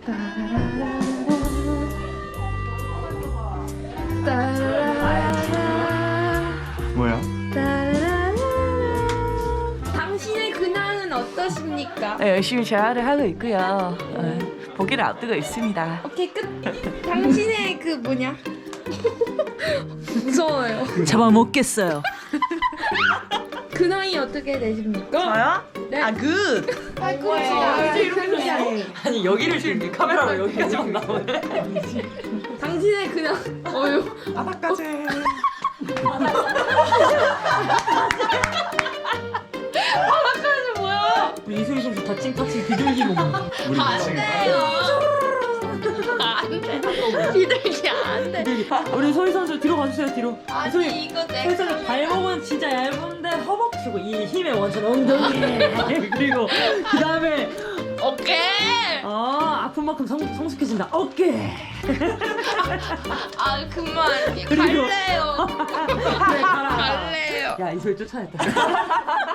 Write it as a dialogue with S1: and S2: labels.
S1: 뭐야?
S2: 당신의 근황은 어떠십니까?
S3: 네, 열심히 재활을 하고 있고요. 보기를 앞두고 있습니다.
S2: 오케이 끝. 당신의 그 뭐냐? 무서워요.
S3: 잡아먹겠어요.
S2: 근황이 어떻게 되십니까?
S3: 저요?
S2: 네.
S3: 아, 굿! 아니, 여기를 지금 카메라로 여기까지만 나오네.
S2: 당신의 근황. 어휴.
S3: 바닥까지.
S2: 바닥까지 뭐야?
S4: 우리 이소희 선수 다칭 타칭 비둘기 몸.
S1: 우리
S2: 안
S1: 미친
S2: 돼요. 안 돼. 비둘기 안 돼.
S4: 우리 소희 선수 뒤로 가주세요 뒤로.
S2: 아니
S4: 소희
S2: 이거 내
S4: 소희 선수 발목은 진짜 얇은데 허벅지고 이 힘의 원천 엉덩이. 그리고 그 다음에
S2: 오케이.
S4: 아픈 만큼 성숙해진다. 어깨.
S2: 아 그만.
S4: 그리고-
S2: 갈래요.
S4: 그래 가라.
S2: 갈래요.
S4: 야 이소희 쫓아냈다.